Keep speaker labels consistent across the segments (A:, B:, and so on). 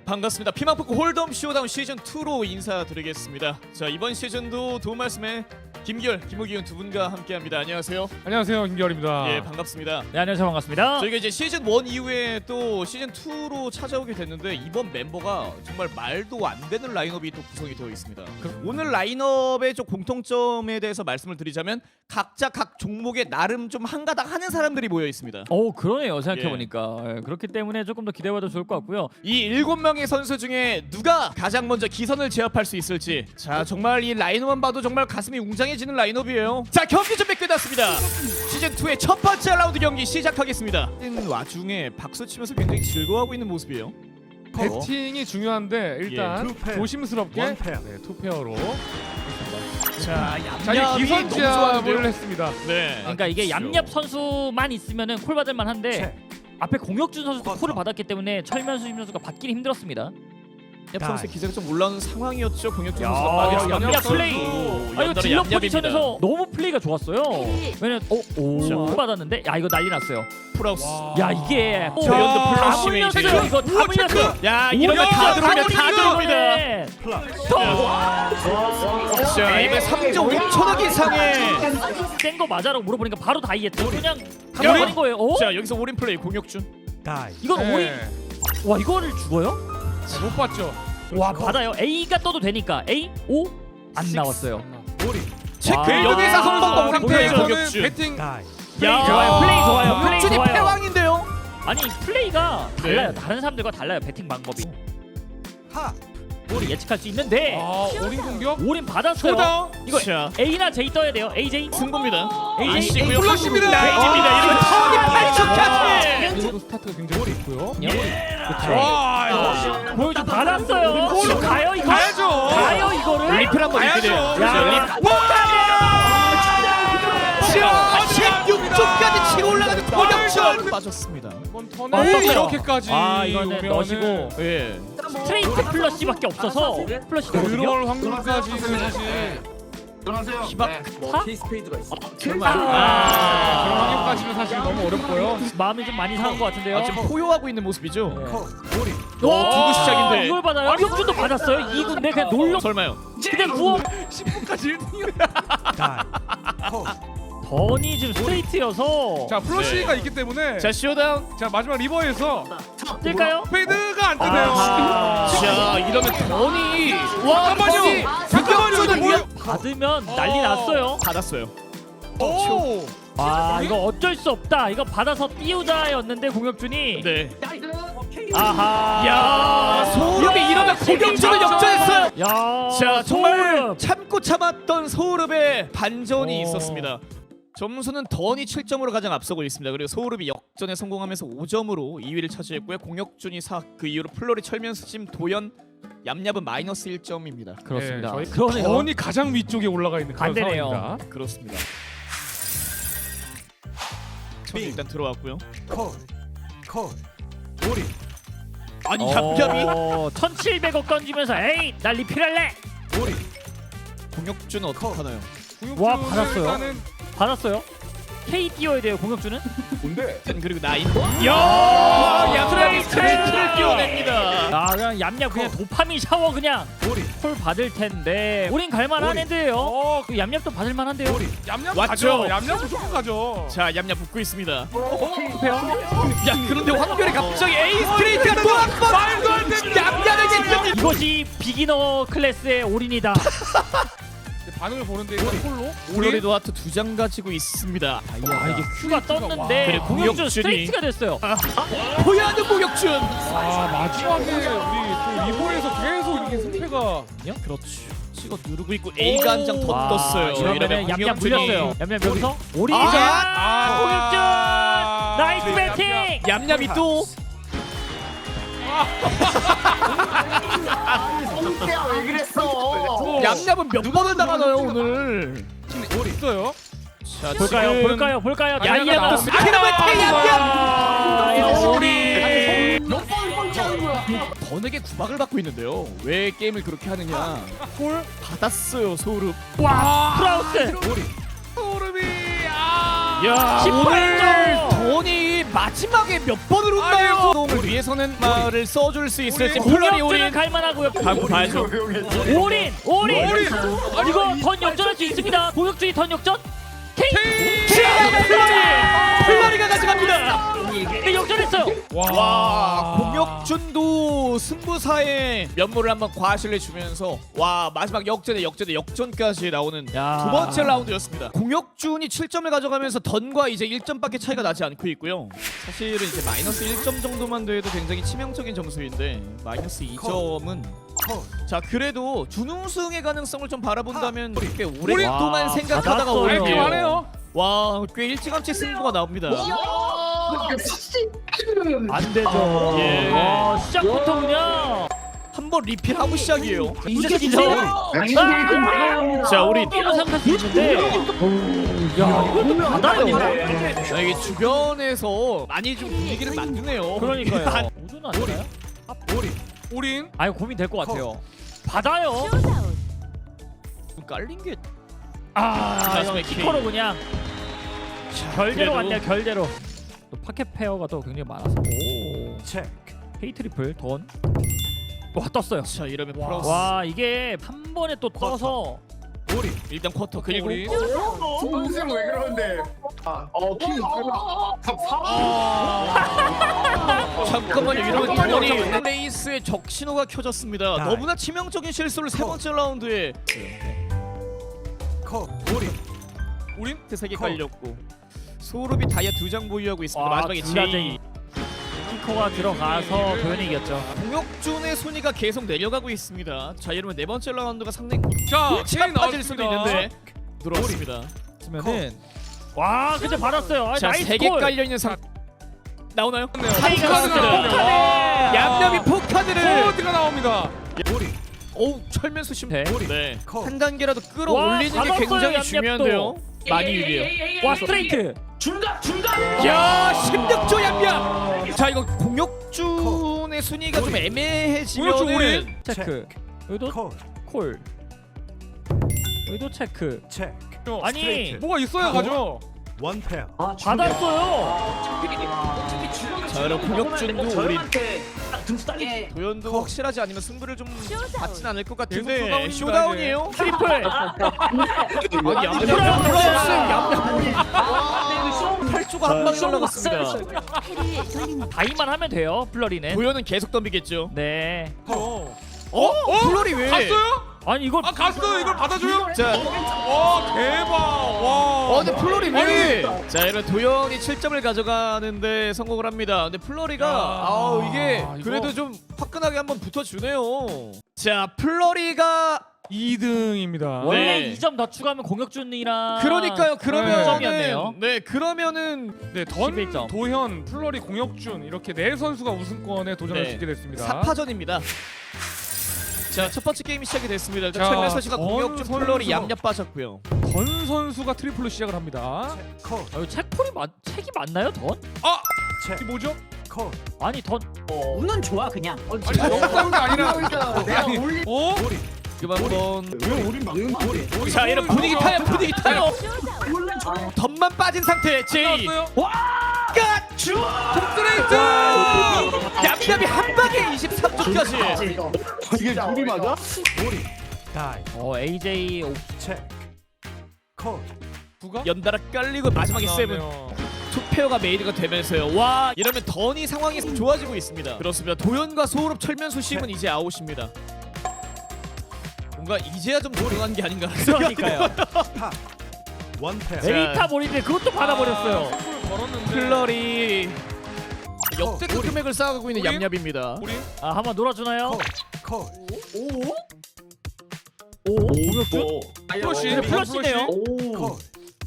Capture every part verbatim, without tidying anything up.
A: 반갑습니다. 피망포크 홀덤 쇼다운 시즌 투로 인사드리겠습니다. 자, 이번 시즌도 도움 말씀에 김기열, 김호기훈 두 분과 함께합니다. 안녕하세요.
B: 안녕하세요, 김기열입니다.
A: 예, 반갑습니다.
C: 네, 안녕하세요. 반갑습니다.
A: 저희가 이제 시즌 일 이후에 또 시즌 투로 찾아오게 됐는데 이번 멤버가 정말 말도 안 되는 라인업이 또 구성이 되어 있습니다. 오늘 라인업의 좀 공통점에 대해서 말씀을 드리자면 각자 각 종목에 나름 좀 한가닥 하는 사람들이 모여 있습니다.
C: 오, 그러네요. 생각해보니까. 예. 그렇기 때문에 조금 더 기대해봐도 좋을 것 같고요.
A: 이 일곱 명의 선수 중에 누가 가장 먼저 기선을 제압할 수 있을지. 자, 정말 이 라인업만 봐도 정말 가슴이 웅장해지는 라인업이에요. 자, 경기 준비 끝났습니다. 시즌 투의 첫 번째 라운드 경기 시작하겠습니다. 이 와중에 박수 치면서 굉장히 즐거워하고 있는 모습이에요.
B: 배팅이 중요한데 일단
D: 예, 투페어.
B: 조심스럽게
D: 원페어.
B: 네, 투페어로
A: 자,
B: 자기
A: 얌얌이
B: 기선
A: 너무
B: 제압을
A: 좋아하는데요.
B: 했습니다.
A: 네.
C: 그러니까 이게 얌얌 선수만 있으면은 콜 받을만 한데 앞에 공혁준 선수도 콜을 받았기 때문에 철면 수심 선수가 받기는 힘들었습니다.
A: 얌얌 선수의 기세가 좀 올라오는 상황이었죠. 공혁준
C: 야,
A: 선수가 빠졌습니다.
C: 얌얌
B: 선수.
C: 플레이. 아, 이거 딜러 포지션에서 너무 플레이가 좋았어요. 왜냐면 어, 오, 콜 받았는데 야, 이거 난리 났어요.
A: 프라우스.
C: 야, 이게
A: 자, 연드
C: 다
A: 플러시
C: 물렸어요.
A: 메이지.
C: 이거 다 물렸어요.
A: 야, 이러면 다 들어옵니다. 다 들어옵니다. 자, 이번에 삼 점 오천억 이상의
C: 센거 맞아라고 물어보니까 바로 다 이해했죠. 그냥
A: 야.
C: 가버린 거예요. 어?
A: 자, 여기서 올인 플레이 공혁준.
C: 이건
B: 네.
C: 올인. 와, 이거를 죽어요?
B: 네, 못 봤죠.
C: 와, 받아요. A가 떠도 되니까 A O 안 나왔어요.
A: 체크.
C: 와.
A: 여기서 한 번 더 올인 플레이
B: 상태에서는
A: 공혁준.
B: 배팅
C: 플레이 좋아요. 플레이 좋아요. 플레이
A: 공혁준이
C: 좋아요.
A: 패왕인데요.
C: 아니, 플레이가
A: 네.
C: 달라요. 다른 사람들과 달라요. 배팅 방법이. 우리 예측할 수 있는데
B: 아, 올인 공격.
C: 올인 받았어요.
B: 쇼다운.
C: 이거
A: 자,
C: A나 J 떠야 돼요. A J.
A: 승부입니다.
C: 에이,
A: 아시고요.
B: 플러시입니다.
A: 레이지입니다. 이러면 턴이 팔 초까지.
B: 그리고 스타트가 굉장히 좋고요.
C: 그렇죠.
B: 와, 이거
C: 보여줘 받았어요. 골로 가요 이거.
B: 가야죠.
C: 가요 이거를.
A: 리플 한번
B: 가야죠.
A: 있게 돼요.
C: 야,
A: 자, 자, 십육 초까지 치고 올라가는 공혁준 빠졌습니다.
B: 이번
C: 아,
B: 턴에
C: 떴어요.
B: 이렇게까지
C: 아, 이거는
B: 오면은
C: 넣으시고
A: 예.
C: 스트레이트 플러시밖에 없어서 플러시 되거든요.
B: 그럴 확률까지는 사실
A: 희박.
C: 파?
D: 케이스페이드가 있어.
A: 정말.
B: 그런
A: 아,
B: 확률까지는 사실 너무 어렵고요.
C: 마음이 좀 많이 상한 것 같은데요.
A: 아, 지금 포효하고 있는 모습이죠.
C: 네.
A: 와, 두구 시작인데.
C: 이걸 받아요. 혁준도 받았어요. 이 군데 그냥 놀러
A: 설마요.
C: 그냥 구워.
B: 십 분까지 일 등이요.
C: 던이 지금 스트레이트여서
B: 자, 플러시가 있기 때문에
A: 자, 쇼다운.
B: 자, 마지막 리버에서
C: 뜰까요?
B: 페이드가 안 뜨네요.
C: 아,
A: 자, 이러면 던이 와,
B: 잠깐만요.
A: 던이
B: 잠깐만요. 이거 뭐야?
C: 받으면 난리 났어요.
A: 받았어요.
B: 오!
C: 아, 이거 어쩔 수 없다. 이거 받아서 띄우자였는데 공혁준이.
A: 네.
C: 아하.
A: 야, 소름이 이러면 공혁준을 역전했어요.
C: 야.
A: 자, 정말
C: 소름.
A: 참고 참았던 소울읍의 반전이
C: 오.
A: 있었습니다. 점수는 던이 칠 점으로 가장 앞서고 있습니다. 그리고 소울읍이 역전에 성공하면서 오 점으로 이 위를 차지했고요. 공혁준이 사, 그 이후로 플로리, 철면수심, 도연, 얌얌은 마이너스 일 점입니다.
C: 그렇습니다.
B: 네, 저희
C: 그러네요.
B: 던이 가장 위쪽에 올라가 있는 그런
C: 안 되네요.
B: 상황입니다.
A: 그렇습니다. 천이 일단 들어왔고요. 아니, 얌얌이
C: 어, 천칠백억 던지면서 에이, 나 리필할래.
A: 공혁준은 어떡하나요?
C: 와,
B: 구육주는
C: 받았어요.
B: 일단은
C: 받았어요. K 띄워야 돼요. 공혁준은.
A: 그리고 나인. 야, 얌얌이 스트레이트를 띄워냅니다.
C: 아, 그냥 얌얌 그냥 도파민 샤워 그냥 콜 받을 텐데. 우린 갈만한 애들예요.
B: 어,
C: 그 얌얌도 받을만한데요.
B: 얌얌
A: 왔죠?
B: 가죠. 얌얌 무조건 가죠.
A: 자, 얌얌 붙고 있습니다.
C: 투페어.
A: 야, 그런데 황별이 갑자기 A 스트레이트가 또 한 번 말도 안 되는 얌얌에게 좀
C: 이것이 비기너 클래스의 올인이다.
B: 반응을 보는데 이거 콜로
A: 플로리도 하트 두 장 가지고 있습니다.
C: 아, 이게 큐가 떴는데
A: 그래,
C: 공혁준
A: 공혁준이-
C: 스트레이트가 됐어요.
A: 보야는 공혁준.
B: 아, 마지막에 우리 또 리버에서 계속 이렇게 승패가
A: 그렇죠. 찍어 누르고 있고 A가 한 장 더
C: 와,
A: 떴어요.
C: 이러면 얌얌
A: 공혁준이-
C: 물렸어요. 얌얌 여기서 올인이죠.
B: 아,
C: 공혁준 나이스 배팅.
A: 얌얌이 또
D: 왜 그랬어?
A: 얌얌은 몇 번을 당하나요 오늘?
B: 있어요.
A: 자,
C: 볼까요?
A: 지금
C: 볼까요? 볼까요?
A: 얌얌
C: 얌얌
A: 떴습니다. 아, 그러면 얌얌.
C: 얌얌
A: 우리
D: 몇번 번째하는 거야?
A: 번에게 구박을 받고 있는데요. 왜 게임을 그렇게 하느냐? 골 받았어요 소울읍.
C: 와, 프라우스.
B: 소름이 아,
A: 야,
C: 십팔
A: 오늘
C: 점.
A: 돈이 마지막에 몇 번을 웃나요? 을 위해서는 말을 써줄 수 있을지 플러리
C: 공격주는
A: 올인
C: 갈만하고요.
A: 가고 봐야죠.
C: 올인, 올인.
B: 올인.
C: 이거 던 역전할 수 있습니다. 공격주의 던 역전. 케이.
A: 플러리 플러리가 가져갑니다.
C: 네, 역전했어요.
A: 와 공혁준도 승부사의 면모를 한번 과실내 주면서 와 마지막 역전에 역전에 역전까지 나오는
C: 야.
A: 두 번째 라운드였습니다. 공혁준이 칠 점을 가져가면서 던과 이제 일 점밖에 차이가 나지 않고 있고요. 사실은 이제 마이너스 일 점 정도만 돼도 굉장히 치명적인 점수인데 마이너스 이 점은 자 그래도 준우승의 가능성을 좀 바라본다면 꽤 오랫동안
C: 와,
A: 생각하다가
C: 받았어요.
A: 오네요.
B: 알게 말해요.
A: 와꽤 일찌감치 승부가 나옵니다.
C: 안 되죠.
A: 예.
C: 와, 시작부터 그냥
A: 한번 리필하고 시작이에요.
C: 이제 진짜.
A: 자 우리
C: 로 생각할 수 있는데. 야, 이것도 받아요.
A: 자, 이게 주변에서 많이 좀 분위기를 만드네요.
C: 그러니까요. 오전 아니나요?
B: 올인.
C: 아유 고민 될 것 같아요. 받아요.
A: 좀 깔린 게
C: 아,
A: 마지막에
C: 이거 키커로 그냥 결대로
A: 그래도-
C: 왔네요. 결대로. 또 파켓 페어가 또 굉장히 많아서. 오.
B: 체크.
C: 헤이 트리플 던. 와 떴어요.
A: 자 이러면
B: 와.
A: 플러스
C: 와 이게 한 번에 또 떠서
A: 일단 쿼터 그리고
B: 올인.
D: 무슨 왜 그러는데? 어, 킹
A: 잠깐만요 이러면
B: 잠깐만요,
A: 돈이
B: 잠깐만요.
A: 레이스의 적신호가 켜졌습니다.
B: 아.
A: 너무나 치명적인 실수를 세 번째 라운드에
B: 올인.
A: 세개 깔렸고 소르비 다이아 두 장 보유하고 있습니다.
C: 와,
A: 마지막에
C: 둘다
A: 제이
C: 키커가 들어가서 도현이 이겼죠.
A: 공혁준의 순위가 계속 내려가고 있습니다. 자 이러면 네 번째 라운드가 상당히
B: 자,
A: 차
B: 체인
A: 빠질 수도
B: 나왔습니다.
A: 있는데 들어왔습니다.
C: 그러면은 와 근데 받았어요. 아,
A: 자
C: 나이스
A: 세 개
C: 콜.
A: 깔려 있는 상 나오나요?
C: 차이가
A: 포카드.
C: 나왔습니다.
A: 얌얌이 포카드를
B: 코드가 나옵니다.
A: 어우 철면수 심
C: 네.
A: 네. 한 단계라도 끌어올리는 게
C: 받았어요,
A: 굉장히
C: 얌얌도.
A: 중요한데요. 많이 유리해요.
C: 와 스트레이트.
D: 중간 중간.
A: 야 십육 조 얌얌. 자 이거 공혁준의 순위가 좀 애매해지면은
B: 공혁준 올인.
C: 체크. 여기도 콜. 여기도 체크. 아니
B: 뭐가 있어야 가죠.
E: 원 페어.
C: 받았어요.
A: 자 여러분 공혁준도 우리
D: 등수 따게.
A: 도현도 확실하지 않으면 승부를 좀 받진 않을 것
B: 계속
A: 같은데
B: 쇼다운입니다,
A: 쇼다운이에요.
C: 트리플.
A: 아니 얌얌 플러스 얌얌 팔 조가 한 방에 올라갔습니다.
C: 다이만 하면 돼요. 플러리는.
A: 도현은 계속 덤비겠죠.
C: 네.
B: 어.
A: 어? 플로리 왜?
B: 갔어요?
C: 아니 이걸
B: 아 갔어요. 이걸 받아줘요?
A: 자,
B: 와 대박. 와.
A: 어 근데 플로리 왜? 자 이런 도현이 칠 점을 가져가는데 성공을 합니다. 근데 플로리가
B: 야.
A: 아우 이게
B: 아, 이거-
A: 그래도 좀 화끈하게 한번 붙어주네요. 자 플로리가
B: 이 등입니다.
C: 원래
A: 네.
C: 이 점 더 추가하면 공혁준이랑
A: 그러니까요. 그러면은
C: 점이었네요.
A: 네 그러면은
B: 네, 던,
C: 십일 점.
B: 도현, 플러리, 공혁준 이렇게 네 선수가 우승권에 도전할
A: 네.
B: 수 있게 됐습니다.
A: 사파전입니다. 자 첫 번째 게임이 시작이 됐습니다.
B: 자,
A: 최면서 씨가
B: 전
A: 공격중 플로리
B: 선수가-
A: 얌얌 빠졌고요.
B: 던 선수가 트리플로 시작을 합니다.
C: 아, 이거 책폴이 맞 책이 맞나요 던?
B: 아, 이게 뭐죠?
C: 아니 던
D: 운은 좋아 그냥.
B: 아니 너무 싸운 게 아니라.
D: 내가 올리.
B: 어?
A: 그만 한번
D: 왜 우리 막는 거야?
A: 자 이런 분위기 타요 분위기 타요.
D: 원래 좋아.
A: 덤만 빠진 상태 제이
B: 나왔어요?
A: 끝!
B: 스트레이트!
A: 얌얌이 한 방에 이십삼 조까지.
D: 이게 우리 맞아?
C: 어 에이제이 오-
B: 누가?
A: 연달아 깔리고 마지막에 세븐
B: 나왔네요.
A: 투페어가 메이드가 되면서요. 와 이러면 던이 상황이 좋아지고 있습니다. 그렇습니다. 도현과 소울업 철면수 심은 이제 아웃입니다. 뭔가 이제야 좀 조용한 게 아닌가 하는 생각이
C: 그러니까요.
E: 원 페어.
C: 메리타 몰인데 그것도 받아버렸어요.
B: 아, 승부를 걸었는데.
A: 플러리 역대급 금액을 쌓아가고 있는
B: 우린?
A: 얌얌입니다.
B: 우리
C: 아 한번 놀아주나요?
D: 오.
C: 오 공혁준?
B: 플러시.
C: 근데 플러시네요.
D: 오.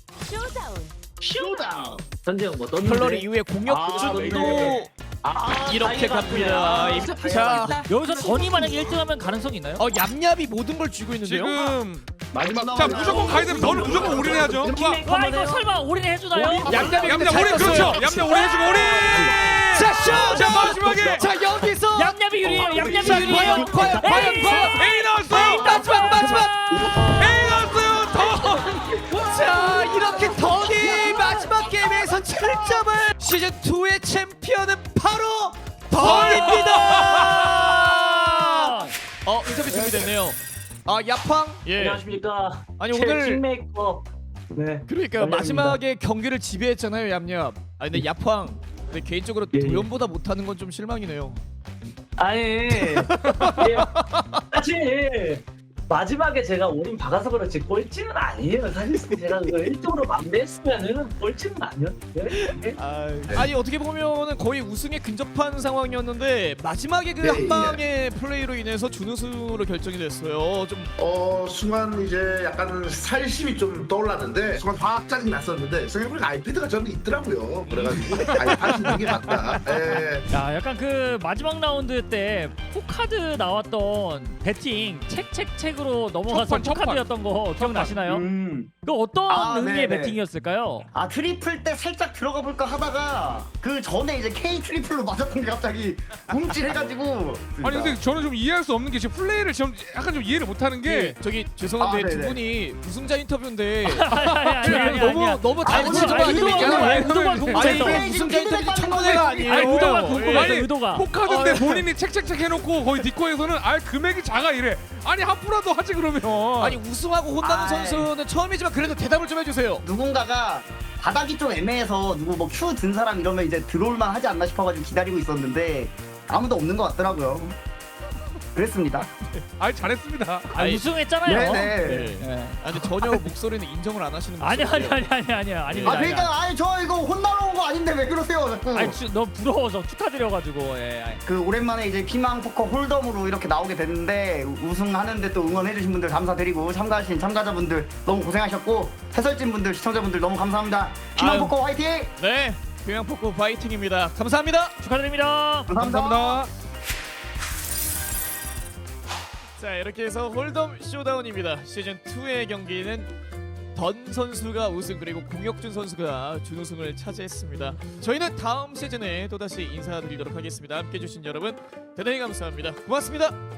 D: 쇼다운. 전재형 뭐 떴는데?
A: 플러리 이후에 공혁준도
D: 아,
A: 이렇게
D: 다이가
A: 갑니다.
D: 갔구나.
A: 자,
C: 여기서 던이 만약에 일 등 하면 가능성이 있나요?
A: 어 얌얌이 모든 걸 쥐고 있는데요.
B: 지금
D: 마지막
B: 자 무조건 가야 되면 너는 무조건 올인해야죠.
C: 와 이거 설마 올인 해주나요?
A: 얌얌이 근데
B: 얌얌
A: 잘
B: 올인 그렇죠.
A: 떴어요.
B: 얌얌 올인 해주고 올인.
A: 자, 쇼!
B: 자 마지막에
A: 자 여기서
C: 얌얌이 유리해요. 얌얌이
A: 자,
C: 유리해요.
A: 과연 과연 과연
C: 에이!
A: 과연
B: A 나왔어요.
A: 마지막 마지막
B: A 나왔어요. 더.
A: 자 이렇게 던이 마지막 게임에서 칠 점을 시즌 이의 챔피언은 바로 던입니다. 어 인터뷰 준비됐네요. 아 야팡 예.
F: 안녕하십니까.
A: 아니
F: 제
A: 오늘
F: 킹메이커. 네.
A: 그러니까
F: 연령입니다.
A: 마지막에 경기를 지배했잖아요 얌얌. 아 근데 야팡 근데 개인적으로
F: 예, 예.
A: 도연보다 못하는 건 좀 실망이네요.
F: 아니. 예. 사실 마지막에 제가 올인 박아서 그렇지 꼴찌는 아니에요. 사실 제가 그거 일 등으로 만대했으면은 꼴찌는 아니었는데.
A: 아, 아니 어떻게 보면은 거의 우승에 근접한 상황이었는데 마지막에 그
D: 네,
A: 한 방의 플레이로 인해서 준우승으로 결정이 됐어요. 좀
D: 어 순간 이제 약간 살심이 좀 떠올랐는데 순간 화학 짜증 났었는데 생각해보니까 아이패드가 저는 있더라고요. 그래가지고 아이패드 있는 게 맞다. 예.
C: 야, 약간 그 마지막 라운드 때 포카드 나왔던 배팅 책책책으로 넘어가서
B: 첫 판, 첫 판.
C: 포카드였던 거 기억나시나요?
G: 음.
C: 그 어떤
G: 아,
C: 의미의
G: 네네.
C: 배팅이었을까요?
G: 아 트리플 때 살짝 들어가 볼까 하다가 그 전에 이제 K 트리플로 맞았던 게 갑자기 움찔해가지고.
B: 아니 근데 저는 좀 이해할 수 없는 게 지금 플레이를 지금 약간 좀 이해를 못하는 게
A: 예, 저기 죄송한데
G: 아,
A: 두
G: 네네.
A: 분이 우승자 인터뷰인데
C: 아니 아니 아니
A: 너무
C: 아니.
A: 너무
G: 아니,
A: 당연히 좀
G: 아니,
A: 아닙니까?
G: 아니,
C: 의도가
A: 아니
C: 궁금해서.
A: 이게 우승자 인터뷰 청문회가 아니에요.
C: 아니 의도가
B: 아니,
C: 궁금해서 의도가.
B: 포카드인데 본인이 책책책 해놓고 거의 디코에서는 아 금액이 작아 이래. 아니 하프라도 하지 그러면.
A: 아니 우승하고 혼나는
G: 아이.
A: 선수는 처음이지만 그래도 대답을 좀 해주세요.
G: 누군가가 바닥이 좀 애매해서 누구 뭐 Q 든 사람 이러면 이제 들어올만 하지 않나 싶어가지고 기다리고 있었는데 아무도 없는 것 같더라고요. 그랬습니다.
B: 아니 잘했습니다.
C: 아,
A: 아니,
C: 우승했잖아요.
G: 네네.
A: 네. 아니 근데 전혀 목소리는 인정을 안 하시는
C: 아니 아니
A: 모습이에요.
C: 아니 아니 아니 아니.
G: 아 그러니까 아니 저 이거 혼나러 온 거 아닌데 왜 그러세요 자꾸.
C: 아니 주, 너 부러워서 축하드려가지고. 예. 아니.
G: 그 오랜만에 이제 피망 포커 홀덤으로 이렇게 나오게 됐는데 우승하는데 또 응원해주신 분들 감사드리고 참가하신 참가자분들 너무 고생하셨고 해설진 분들 시청자분들 너무 감사합니다. 피망
A: 아유.
G: 포커 화이팅!
A: 네, 평양포크 파이팅입니다. 감사합니다.
C: 축하드립니다.
G: 감사합니다.
B: 감사합니다.
A: 자 이렇게 해서 홀덤 쇼다운입니다. 시즌 이의 경기는 던 선수가 우승 그리고 공혁준 선수가 준우승을 차지했습니다. 저희는 다음 시즌에 또다시 인사드리도록 하겠습니다. 함께해 주신 여러분 대단히 감사합니다. 고맙습니다.